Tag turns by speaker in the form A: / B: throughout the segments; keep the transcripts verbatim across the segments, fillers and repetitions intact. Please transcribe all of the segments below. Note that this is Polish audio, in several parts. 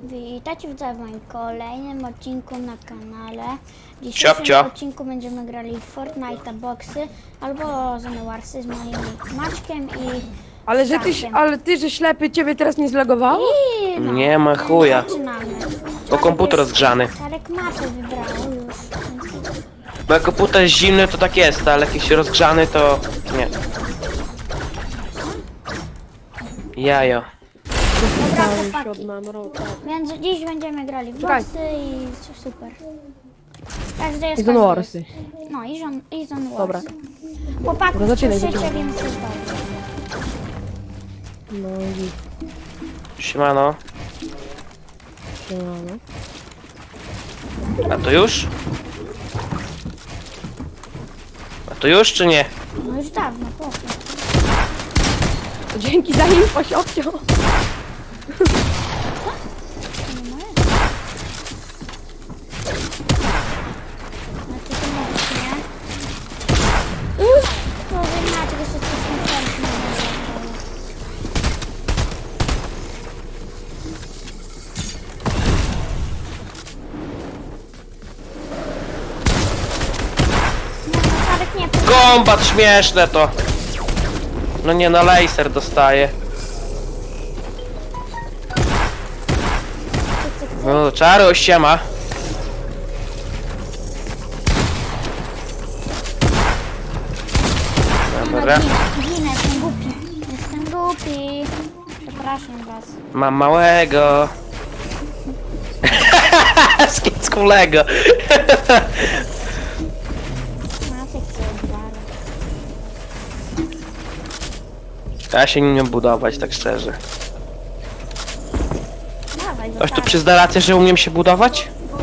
A: Witajcie w moim kolejnym odcinku na kanale. W dzisiejszym
B: Ciapcia.
A: odcinku będziemy grali w Fortnite boxy albo Zone Warsy z moim Maćkiem i
C: Ale że ty,
A: Staszkiem.
C: ale ty, że ślepy, ciebie teraz nie zlogowało?
A: I no,
B: Nie ma chuja.
A: zaczynamy.
B: Bo komputer rozgrzany.
A: Czarek mapę wybrał już.
B: Bo jak komputer jest zimny, to tak jest, ale jak jest rozgrzany, to nie. Jajo.
A: Dobra,
C: Całym
A: chłopaki.
C: siódmym roku.
A: Więc dziś będziemy grali w
C: Czekaj.
A: boxy i super. Każdy jest
C: I Zone
A: każdy
C: Warsy.
A: jest. No i Zone i Zone Warsy.
C: Dobra.
A: Chłopaków
C: Dobra, zaczynaj,
A: słyszycie,
C: zaczynaj.
A: więc jest dobrze.
C: No i
B: Siemano.
C: siemano.
B: A to już? A to już czy nie?
A: No już dawno, chłopie.
C: Dzięki za info, siopcio.
A: To nie moje. Znaczy to możesz, nie? Uff! To wy macie, że się coś nie nie
B: Kombat śmieszne to. No nie, na laser dostaje. No, czaro, siema. Dobra.
A: Ginę, ginę, jestem głupi. Jestem głupi. Przepraszam was.
B: Mam małego. Skickulego.
A: Macie co dwa.
B: Ja się nie umiem budować, tak szczerze.
A: Dawaj,
B: Ktoś tu przyzna rację, że umiem się budować?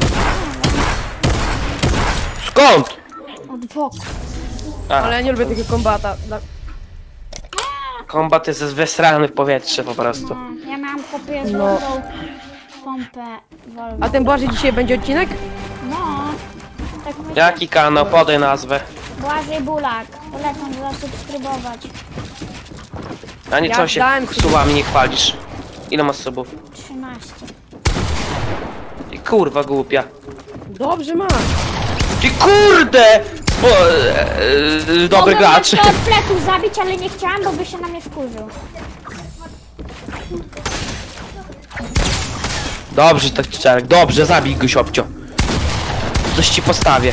B: Skąd?
A: od boku.
B: A,
C: Ale ja nie lubię takiego kombata. Dla-
B: kombat jest wesrany w powietrze po prostu.
A: No, ja miałam kopię
C: No.
A: złotą pompę Volvo.
C: A ten Błażej dzisiaj będzie odcinek?
A: No, tak myślę.
B: Jaki kanał? Podaj nazwę.
A: Błażej Bulak. Polecam zasubskrybować.
B: A nie
C: Ja
B: co się
C: dałem sobie-
B: słowami nie chwalisz. Ile masz subów?
A: trzynaście.
B: Ty kurwa głupia.
C: Dobrze masz.
B: Ty kurde! Spo, e, e, dobry
A: Mogłem
B: gracz.
A: go od pleców zabić, ale nie chciałam, bo by się na mnie wkurzył.
B: Dobrze, tak czarek. Dobrze, zabij go, siopcio. Coś ci postawię.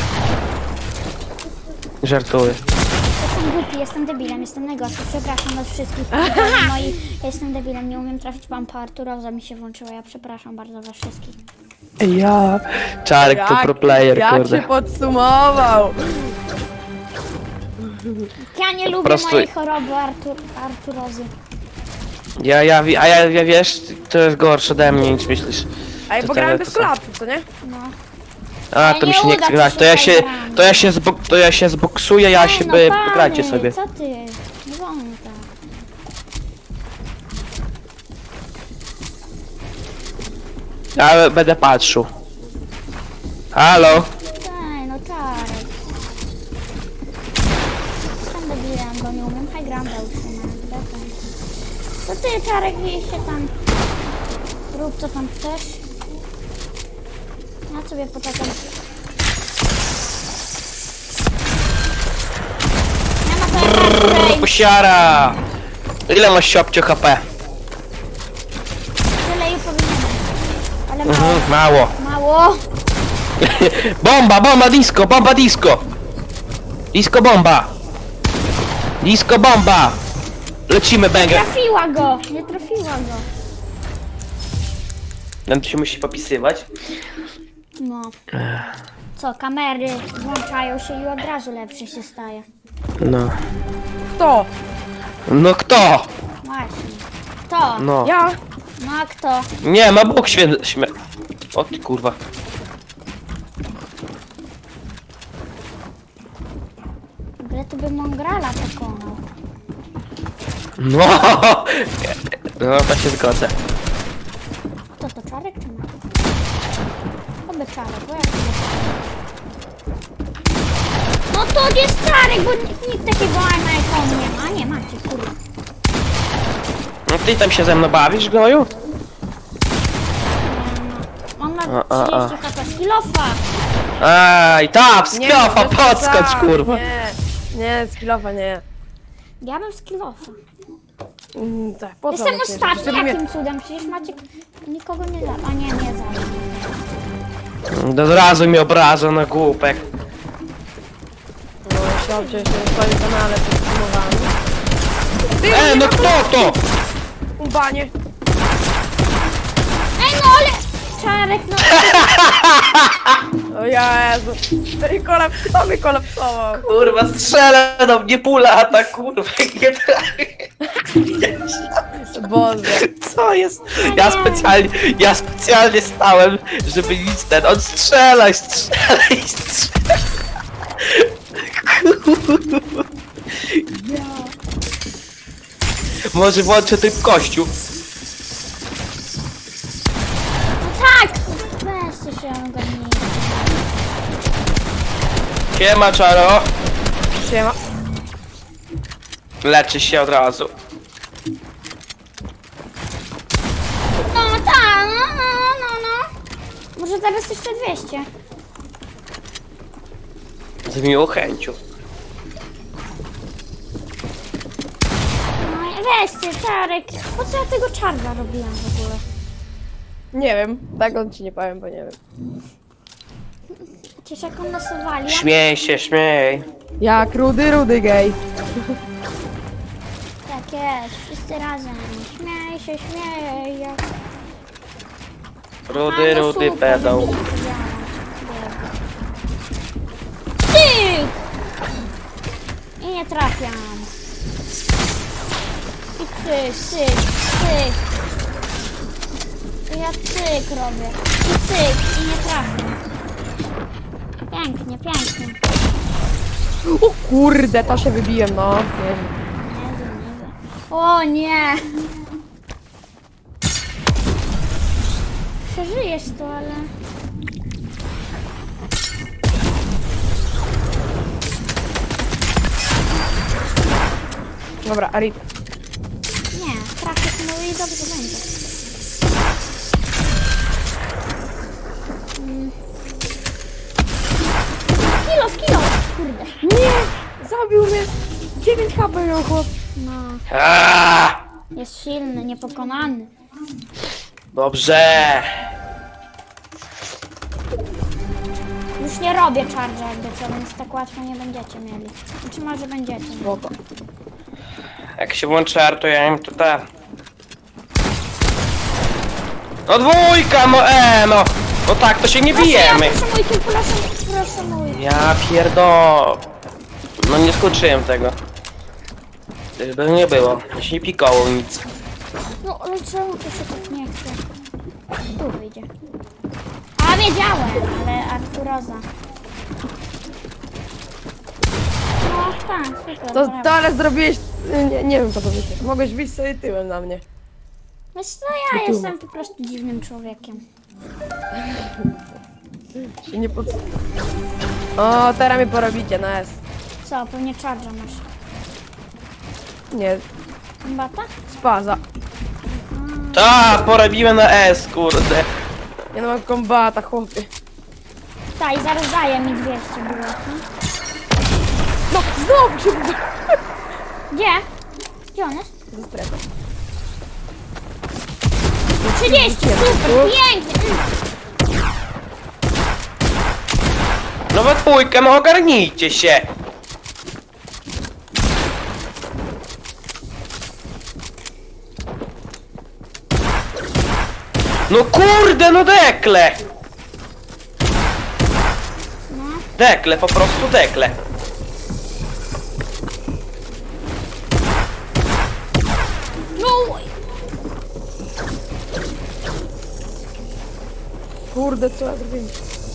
B: Żartuję.
A: Jestem głupi, jestem debilem, jestem najgorszy. Przepraszam was wszystkich. No i jestem debilem, nie umiem trafić pompa Arturoza mi się włączyła. Ja przepraszam bardzo was wszystkich.
B: Ja. Czarek to pro player,
C: jak
B: kurde.
C: się podsumował.
A: Ja nie lubię
B: prostu-
A: mojej choroby Artur, Arturozy.
B: Ja, ja, wi- a ja, ja wiesz, to jest gorsze ode mnie niż myślisz.
C: Ej,
B: To
C: bo
B: te-
C: grałem
B: to
C: bez
B: są-
C: klapów, co nie?
A: No.
B: A, to mi
A: nie
B: się nie
A: uda
B: chce
A: ci
B: grać.
A: się
B: To ja się,
A: zagrać.
B: to ja się, zbok, to ja się zboksuję, ja się,
A: Ej, no
B: by,
A: pany,
B: grajcie sobie.
A: Co ty? Nie wolno tak.
B: Ja będę patrzył. Halo?
A: Ej, no Czarek. Jestem debilem, bo nie umiem high grounda utrzymać. Dokąd? To ty, Czarek, gdzieś się tam... Rób co tam chcesz. Ja sobie poczekam. Nie ma to jak Arturej.
B: Posiara! Ile masz siopcio H P?
A: Tyle i powinienem. Ale mało.
B: Mhm, mało.
A: Mało.
B: Bomba, bomba, disco, bomba, disco! Disco bomba! Disco bomba! Lecimy, banger!
A: Trafiła go. Nie trafiła go.
B: Nam tu się musi popisywać.
A: No. Co, kamery włączają się i od razu lepszy się staje.
B: No.
C: Kto?
B: No kto?
A: Właśnie. Kto?
B: No.
C: Ja?
A: No a kto?
B: Nie, ma Bóg święty. Śmie... O ty kurwa.
A: W ogóle to by Mongrala pokonał.
B: No. No, to się zgodzę.
A: Kto to, Czarek czy Maciek? To by Czarek, bo jak to by Czarek? No to jest Czarek, bo nikt, nikt takiego na iPhone nie ma. A nie, macie, kurwa.
B: No ty tam się ze mną bawisz, gnoju?
A: ma
B: A, a, a.
A: trzydzieści H P. Skillofa!
B: Aj, tap,
C: Nie,
B: sklofa,
C: bez
B: podskocz,
C: przesady.
B: kurwa.
C: Nie, nie, skillofa nie.
A: Ja bym skillofa.
C: Mm, tak, po co
A: Jestem
C: ona się-
A: ostatni,
C: żeby mnie-
A: jakim cudem? Przecież Maciek nikogo nie da. A nie, nie zabił.
B: Od razu mi obraża na głupek.
C: No, chciał cię jeszcze na swoim kanale podsumowany.
B: E, no kto to?
C: Ubanie.
A: Ej, no ale... Czarek, no...
C: O Jezu. Ten kolap... Kto mnie kolapsował?
B: Kurwa, strzelę do mnie pula, ta kurwa, nie trafię.
C: Boże.
B: Co jest? Ja specjalnie, ja specjalnie stałem, żeby nic ten, on strzelaj, strzelaj, strzelaj. Może włączę tryb kościół.
A: No tak! Weźcie się ogarnij.
B: Siema, czaro.
C: Siema.
B: Leczy się od razu.
A: No tak, no, no, no, no. Może teraz jeszcze dwieście.
B: Z miłą chęcią.
A: No i weźcie, Czarek. Po co ja tego czarna robiłam w ogóle?
C: Nie wiem. Tak on ci nie powiem, bo nie wiem.
A: Przecież jak on nasowali, ja...
B: Śmiej się, śmiej.
C: Jak rudy, rudy gej.
A: Tak jest, wszyscy razem. Śmiej się, śmiej. jak-
B: Rudy,
A: A, no
B: rudy,
A: super,
B: pedał.
A: będzie to działać. Cyk! I nie trafiam. I cyk, cyk, cyk. I ja cyk robię. I cyk, i nie trafiam. Pięknie, pięknie.
C: O kurde, to się wybiłem, no. Nie wiem.
A: Jezu, niby. O nie! Przeżyjesz to, ale...
C: Dobra, Arit.
A: Nie, trafisz, no i dobrze będzie. Mm. Kilo, kilo! Kurde.
C: Nie! Zabił mnie! dziewięć H P miał chłop.
A: No,
B: Aaaa!
A: jest silny, niepokonany.
B: Dobrze.
A: Już nie robię charge'a jakby co, więc tak łatwo nie będziecie mieli. Znaczy może będziecie.
C: Spoko.
B: Jak się włączy R, to ja im to ten. No dwójka, no e, no. No tak, to się nie bijemy.
A: Proszę, ja, proszę mój kill, proszę, proszę mój.
B: Ja pierdo. No nie skończyłem tego. By nie było, się nie pikało nic.
A: No ale czemu to się tak nie chce? Tu wyjdzie. A wiedziałem, ale Arturoza. No tak, super.
C: To,
A: brawo.
C: to ale zrobiłeś... Nie, nie wiem co powiedzieć. Mogłeś wyjść sobie tyłem na mnie.
A: Wiesz co, ja jestem po prostu dziwnym człowiekiem.
C: Się nie pod... O, teraz mnie porobicie na S.
A: Co, pewnie charge'a masz.
C: Nie,
A: Bata?
C: spaza.
B: Ta, porobiłem na S, kurde.
C: Ja nie mam kombata, chłopie.
A: Tak, i zaraz daje mi dwieście było.
C: No, znowu się uda.
A: Gdzie? Gdzie on jest?
C: Ze strefą.
A: trzydzieści, super, pięknie. Mm.
B: No we dwójkę, no ogarnijcie się. No kurde, no dekle.
A: No,
B: Dekle, po prostu dekle.
A: no,
C: Kurde, co ja zrobiłem?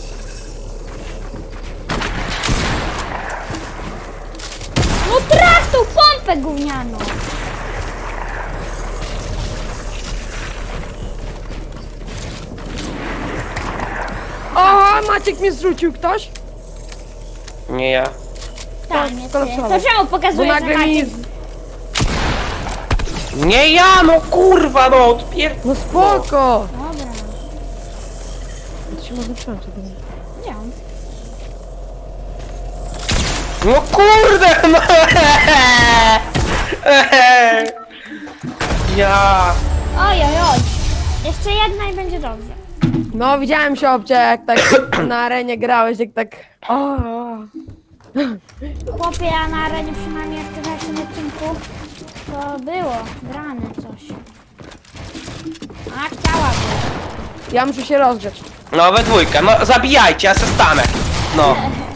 A: no traf tą pompę gównianą.
C: O, Maciek mnie zrzucił ktoś?
B: Nie ja.
A: Tak, nie ty.
C: kolapsował.
A: To czemu
C: Bo
A: pokazujesz, że
C: nagle mi...
A: Maciek...
B: Nie ja, no kurwa, no odpier...
C: No spoko!
A: Dobra.
C: To się może przyjąć, to będzie.
A: Nie.
B: No kurde, no! Ja...
A: Oj, oj, oj. Jeszcze jedna i będzie dobrze.
C: No, widziałem się obcie, jak tak na arenie grałeś, jak tak... O, o.
A: Chłopie, ja na arenie przynajmniej w tym pierwszym odcinku to było grane coś. A chciałabym.
C: Ja muszę się rozgrzać.
B: No we dwójkę, no zabijajcie, ja se stanę. No.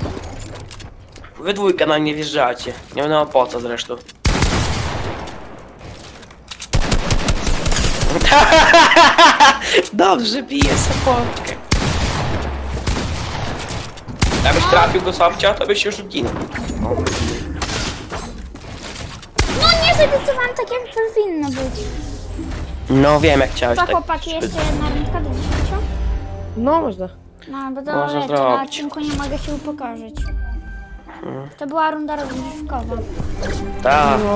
B: Wy dwójkę na mnie wjeżdżacie. Nie wiem po co zresztą. Dobrze, bije sapotkę. Jakbyś trafił go Sofcia, to byś już zginął.
A: No nie zadecydowałam tak jak to powinno być.
B: No wiem jak chciałeś
A: To
B: tak.
A: chłopaki jeszcze jedna rundka do dziesięciu?
C: No, można.
A: No bo to
B: Można
A: wiecie, na
B: zrobić.
A: odcinku nie mogę się upokorzyć. To była runda rozgrzewkowa.
B: Tak.
C: No.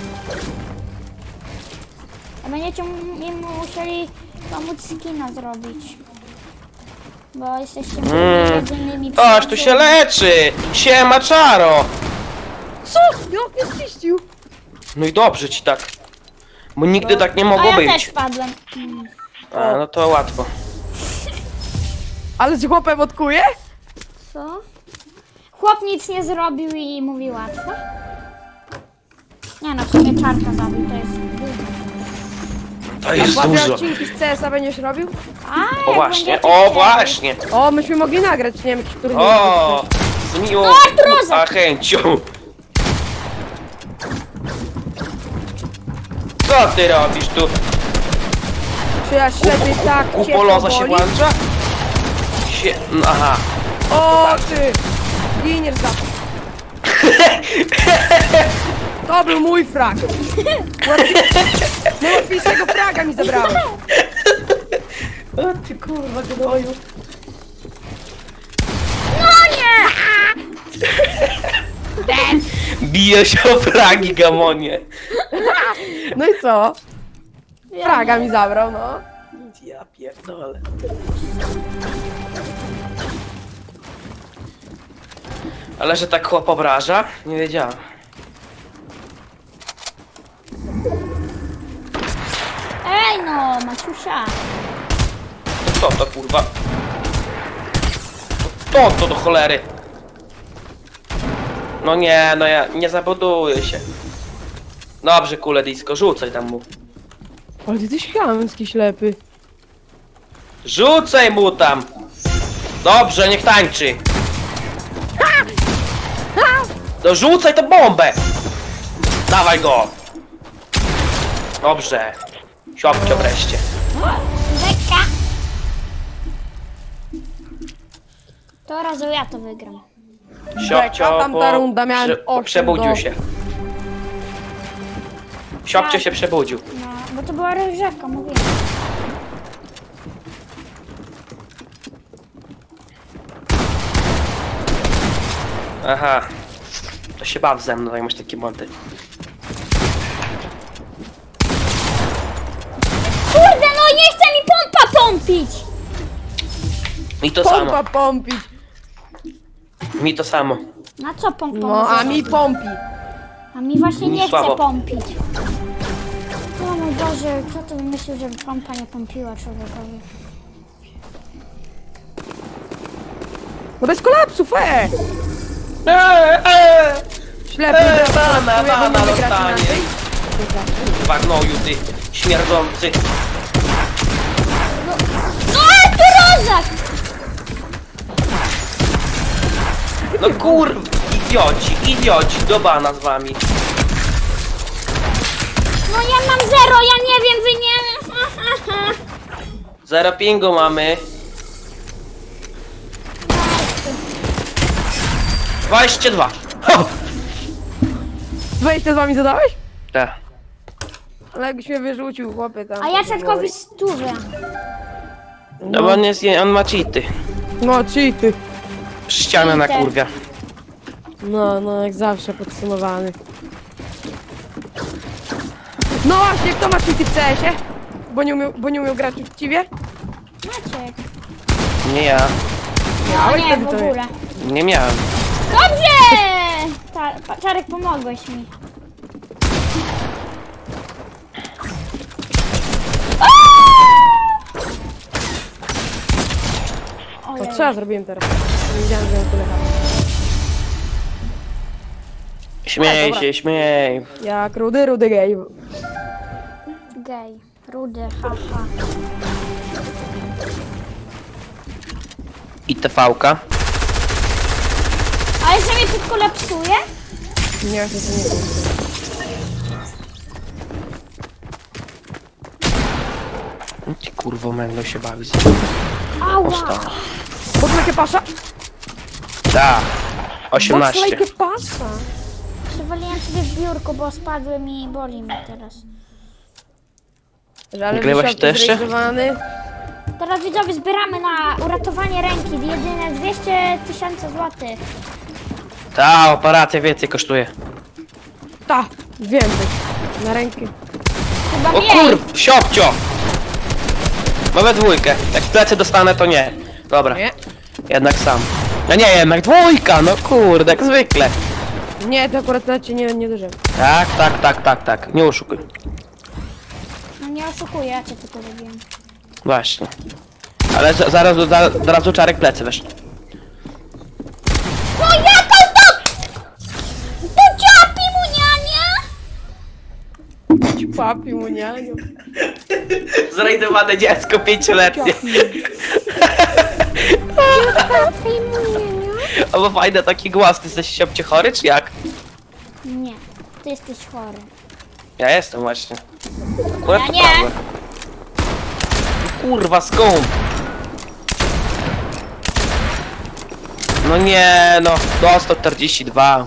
A: A będziecie m- im musieli pomóc skina zrobić. Bo jesteście
B: Mm.
A: jedynymi
B: Aż tu się leczy! Siema czaro!
C: Co? Jak mnie spiścił?
B: No i dobrze ci tak. Bo nigdy tak nie
A: A
B: mogło
A: ja też
B: być.
A: spadłem. Mm.
B: A, no to łatwo.
C: Ale z chłopem odkuje?
A: Co? Chłop nic nie zrobił i mówi łatwo. Nie no, w sumie czarka zabił, to jest dużo.
B: To jest
C: Chłopie,
B: dużo.
C: odcinki z C S a będziesz robił?
A: A,
B: O
A: jak
B: właśnie,
A: będziecie
B: o
A: chcieli.
B: właśnie.
C: O, myśmy mogli nagrać, nie wiem, jakiś turniej.
B: O, z miłą
A: O, Arturoza!
B: a chęcią. Co ty robisz tu?
C: Czy ja ślepiej tak cię
B: Kupoloza się
C: powoli?
B: włącza? Sie... no, aha.
C: O, ty! Giniesz za to. To był mój frag. Najłatwiejszego fraga mi zabrałeś.
B: O ty kurwa gnoju.
A: No nie!
B: Bije się o fragi, gamonie.
C: No i co? Fraga mi zabrał, no.
B: Ja pierdolę. Ale że tak chłop obraża? Nie wiedziałem.
A: Ej no, Maciusia.
B: Co to kurwa? To to do cholery. No nie, no ja nie zabuduję się. Dobrze, kule disco, rzucaj tam mu.
C: Ale ty jesteś chamski ślepy.
B: Rzucaj mu tam! Dobrze, niech tańczy. No rzucaj tę bombę! Dawaj go! Dobrze. Siopcio wreszcie.
A: Lekka. To razu ja to wygram.
B: Siopcio
C: tamta
B: po...
C: runda miałem
B: prze...
C: osiem
B: przebudził
C: do-
B: się. Siopcio się przebudził.
A: No, bo to była rozgrzewka, mówiłem.
B: Aha. To się baw ze mną, jak masz takie monty.
A: Kurde, no nie chce mi pompa pompić!
B: Mi to
C: Pompa
B: samo.
C: pompić.
B: Mi to samo.
A: Na co pompa?
C: No,
A: może
C: a mi
A: robić?
C: pompi.
A: A mi właśnie nie
B: Słabo.
A: chce pompić. O mój Boże, kto to wymyślił, żeby pompa nie pompiła człowiekowi?
C: No bez kolapsów, e!
B: Eee, eee.
C: Ślepy.
B: Eee, bana,
C: Próbuję
B: bana
C: go wygrać
B: dostanie.
C: inaczej.
B: Kurwa gnoju ty, śmierdzący.
A: No Arturozak!
B: No kurwa, idioci, idioci, do bana z wami.
A: No ja mam zero, ja nie wiem, wy nie...
B: Zero pingu mamy. dwadzieścia dwa. Ho!
C: dwadzieścia z wami zadałeś?
B: Tak.
C: Ale jakbyś mnie wyrzucił, chłopie, tam.
A: A ja czerkowi stówę.
B: No bo on jest, on ma cheaty.
C: No, cheaty.
B: Ścianę na kurwia.
C: No, no, jak zawsze podsumowany. No właśnie, kto ma cheaty w C S ie? Bo nie umiał, bo nie umiał grać uczciwie?
A: Maciek.
B: Nie ja.
A: No
C: Miałeś
A: nie,
C: wtedy
A: w
C: to
A: ogóle.
B: Nie miałem.
A: Dobrze! Ta, pa- Czarek, pomogłeś mi.
C: O,
A: Ojej.
C: co ja zrobiłem teraz? Nie wiedziałem, że on tyle ma.
B: Śmiej
C: dobra.
B: się, śmiej.
C: Jak rudy, rudy gej.
A: Gej, rudy, haha.
B: I T V-ka.
A: Ale że mnie tylko lepsuje?
C: Nie, to nie było.
B: Ty kurwo będą się bawić.
A: Ała!
B: Osta.
C: Botlejkę pasza?
B: Da. osiemnaście.
C: Botlejkę pasza.
A: Przewaliłem sobie w biurko, bo spadłem i boli mnie teraz.
C: Że ale
B: Nagrywasz
C: wysiadł
B: to jeszcze?
C: zrealizowany.
A: Teraz widzowie zbieramy na uratowanie ręki. Jedyne dwieście tysięcy złotych.
B: Ta operacja więcej kosztuje.
C: Ta, więcej. Na rękę.
A: Chyba
B: O
A: mniej.
B: kur... Siopcio! Mamy dwójkę. Jak w plecy dostanę, to nie. Dobra.
C: Nie?
B: Jednak sam. No nie, jednak dwójka, no kurde, jak zwykle.
C: Nie, to akurat na cię nie, nie dożyłem.
B: Tak, tak, tak, tak, tak. Nie oszukuj.
A: No nie oszukuję, ja cię tylko robiłem.
B: Właśnie. Ale za- zaraz, za- zaraz do czarek plecy wiesz.
A: No jaka to... To ciapi muniania!
C: Papi mu nianiu.
B: Zrejdowane dziecko pięcioletnie.
A: Ciapi muniania?
B: O, bo fajny taki głos. Ty jesteś siopcie chory, czy jak?
A: Nie, ty jesteś chory.
B: Ja jestem właśnie. Akurat
A: Ja
B: to
A: nie.
B: prawda. Kurwa, skąd? No nie, no. Do sto czterdzieści dwa.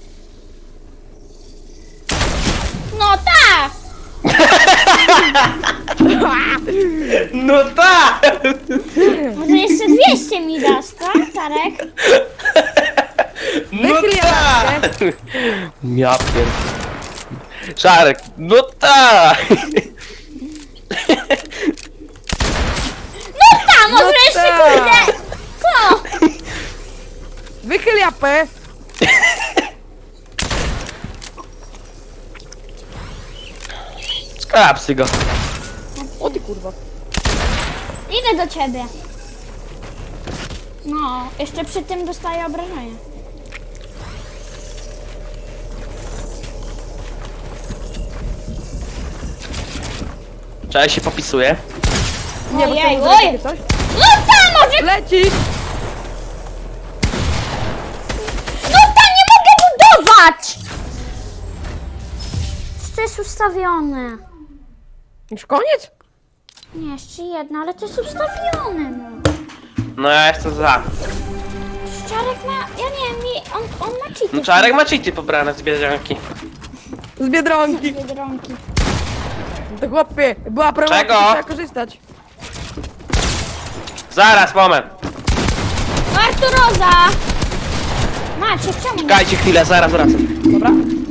A: No tak!
B: No tak!
A: Może jeszcze dwieście mi dasz, co, Czarek?
B: No
C: Wychyl
B: tak! Ja pier... Czarek, no tak!
A: No tam, może
C: No
A: jeszcze
C: tak.
A: kurde! Co?
C: Wychyl japę.
B: Skrapsy go.
C: O ty kurwa.
A: Idę do ciebie. No, jeszcze przy tym dostaję obrażenia.
B: Czarek się popisuje.
C: Nie, bo
A: Ojej,
C: chciałem
A: oj!
C: zrobić takie coś.
A: No tam, może...
C: Lecisz!
A: No tam, nie mogę budować! To jest ustawione.
C: Już koniec?
A: Nie, jeszcze jedna, ale to jest ustawione, no.
B: No ja jestem za.
A: Czarek ma... Ja nie wiem, mi... on, on ma cheaty.
B: No Czarek ma cheaty pobrane z bieżanki.
C: Z Biedronki.
A: Biedronki.
C: To chłopie, była promocja,
B: Czego?
C: trzeba korzystać.
B: Zaraz, moment.
A: Arturoza! Macie, czemu nie?
B: Czekajcie chwilę, zaraz wracam.
C: Dobra.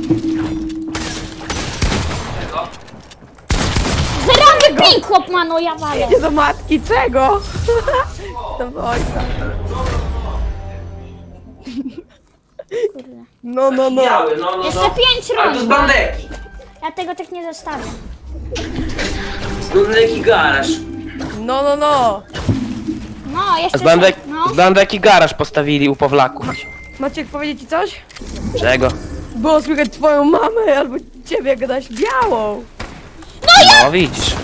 A: Zerowy ping, chłop ma, no ja walę.
C: Nie do matki, czego? To do ojca.
A: Kurde.
C: No, no, no.
B: no, no,
A: Jeszcze pięć
B: Ale to z
A: rund.
B: bandeki.
A: Ja tego tak nie zostawię.
B: Z bandeki garaż.
C: No, no, no.
A: No, jeszcze...
B: Z, bandek,
A: No.
B: z bandeki garaż postawili u Pawlaków.
C: Maciek, powiedzieć ci coś?
B: Czego?
C: Było słychać twoją mamę albo ciebie, jak gadaś białą.
B: No widzisz.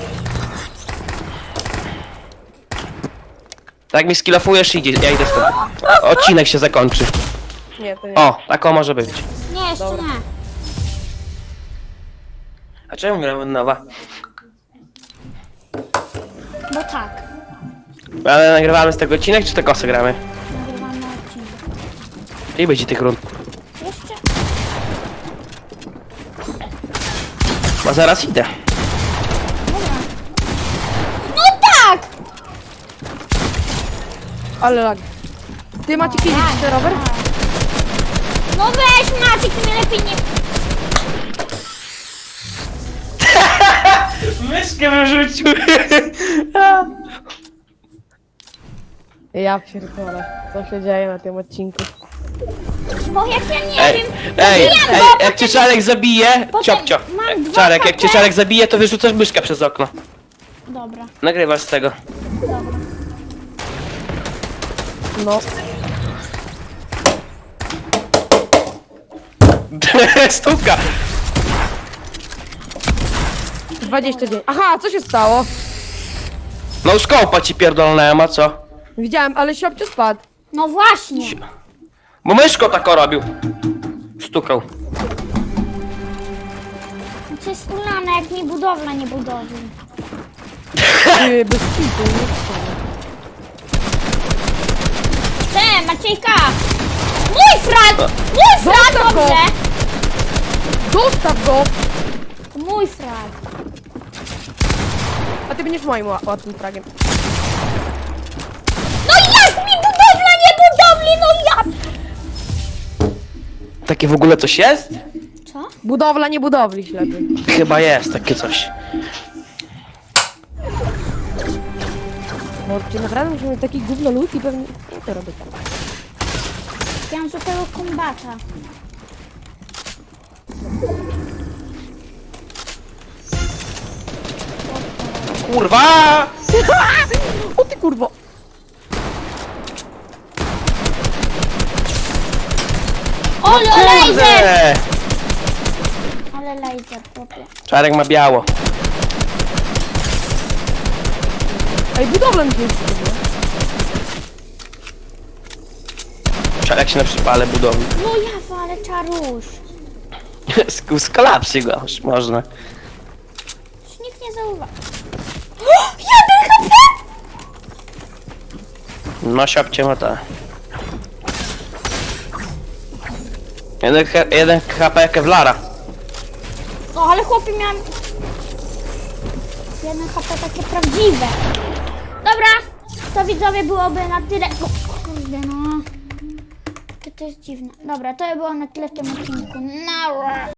B: Tak mi skillofujesz, idzie, ja idę stąd. Odcinek się zakończy.
C: Nie, to nie.
B: O, taką może być.
A: Nie, jeszcze
C: Dobra.
A: nie.
B: A czemu gramy od nowa?
A: Bo tak.
B: Ale nagrywamy z tego odcinek, czy te kosy gramy?
A: Nagrywamy odcinek.
B: I będzie tych rund.
A: Jeszcze...
B: Bo zaraz idę.
A: Dobra. No tak!
C: Ale lag. Ty Maciek
A: No,
C: idziesz
A: tak,
C: ten rower?
A: tak. No weź Maciek, ty mnie lepiej nie...
B: Myszkę wyrzucił.
C: Ja pierdolę, co się dzieje na tym odcinku.
A: Bo jak ja nie
B: Ej,
A: wiem...
B: ej,
A: wiem,
B: ej,
A: bo
B: jak cię Czarek zabije,
A: potem
B: ciopcio.
A: mam dwa
B: Czarek, jak cię
A: H P.
B: Czarek zabije, to wyrzucasz myszkę przez okno.
A: Dobra,
B: Nagrywasz z tego.
A: dobra.
C: No,
B: Stuka.
C: dwadzieścia dziewięć. Aha, co się stało?
B: No skołpa ci pierdolnęłem, a co?
C: Widziałem, ale siopcio spadł.
A: No właśnie.
B: Bo myszko tako robił. Stukał.
A: To jest ulane, jak mi budowla nie budowi.
C: Ty, bez kitu, nie?
A: Te, Maciejka! Mój frag! Mój frag,
C: Zostaw go!
A: dobrze!
C: Zostaw go!
A: To mój frag.
C: A ty będziesz moim ła- łatwym fragiem.
A: No jak mi budowla nie budowli, no jak?
B: Takie w ogóle coś jest?
A: Co?
C: Budowla, nie budowli, ślepy.
B: Chyba jest takie coś.
C: Bo czy naprawdę musimy mieć taki gówno lód i pewnie... No to robię tak.
A: Ja mam złotego kombata.
B: Kurwa!
C: O ty kurwo!
A: Ole, laser!
B: Kurde!
A: Ale laser, chłopie.
B: Czarek ma biało.
C: Ej, budowla mi się już zrobiła.
B: Czarek się na przypale budowi.
A: No ja walę czaruś.
B: Skolapsy go, już można.
A: Już nikt nie zauważy. Jeden H P!
B: No siopcie ma ta. Jeden, he- jeden H P Kevlara.
A: No ale chłopie miałem... Jeden H P takie prawdziwe. Dobra, to widzowie byłoby na tyle... O, kurde no. To, to jest dziwne. Dobra, to było na tyle w tym odcinku. Nara.